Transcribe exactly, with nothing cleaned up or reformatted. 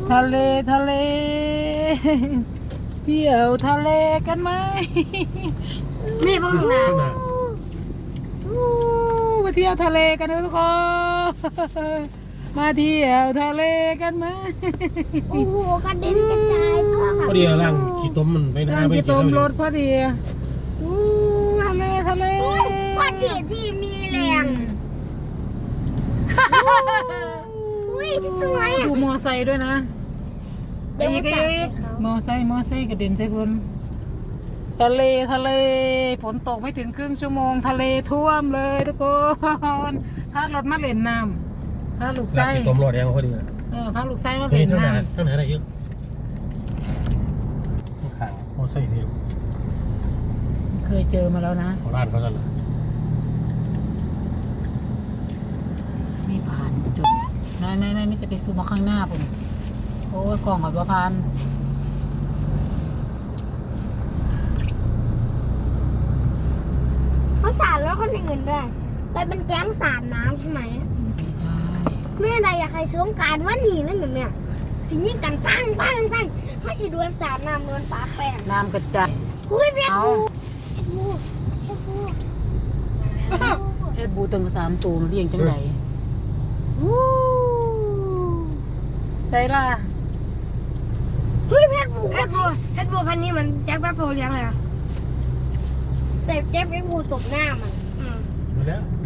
ทะเลทะเลเที่ยวทะเลกันไหมมีบ้างนะอู้มาเที่ยวทะเลกันนะทุกคน มาเที่ยวทะเลกันไหมโอ้โหกระเด็นกระจายพ่อพค่ะอดีร่างขี้ต้มมันไปหน้าการไปกินเกี่ต้ยวมเลรยถพอดีอู้ทะเลทะเลพ่อฉีดที่มีแรงอุ้ยสวยอ่ะดูมอไซค์ด้วยนะเดี๋ยวอีกมาตัดอีกให้เขามอไซค์มอไซค์กระเด็นใส่บนทะเลทะเลฝนตกไม่ถึงครึ่งชั่วโมงทะเลท่วมเลยทุกคนถ้ารถมาเล่นน้ำถ้าลูกร่างไส้ขี้ต้มรอดยังพอดีเออพาลูกไส้มานี่เล่นข้างหน้น้าข้างหน้าอะไรเยอะข้างมอไซค์นี่ำเคยเจอมาแล้วนะของร้านเขาจะเลยไม่ผ่านจุดไม่ไม่ไม่ไม่จะไปซูมมาข้างหน้าผมโอ้ยกล่องหอยบัวพันเขาสาดแล้วคนอื่นด้วยแต่เป็นแก๊งสาดน้ำใช่ไหมไม่ได้แม่ใดอยากให้สงการว่าหนีนั่นแบบเนี้ยสิ่งยิ่งกันตั้งตั้งตั้งเขาสิดวลสาดน้ำดวลปลาแป้งน้ำกระจายคุยเพี้ยเอาบูเพี้ยบูเพี้ยบูเอ็ดบูตึงสามตูนเรียงจังไหนวู้ใส่ละเฮ้ยเพชรบูเพชรบูเพชรบูพันนี้มันแจ็คแป๊บโพเลี้ยงเลยอะแต่แจ็คแป๊บบูตบหน้ามันมาแล้ว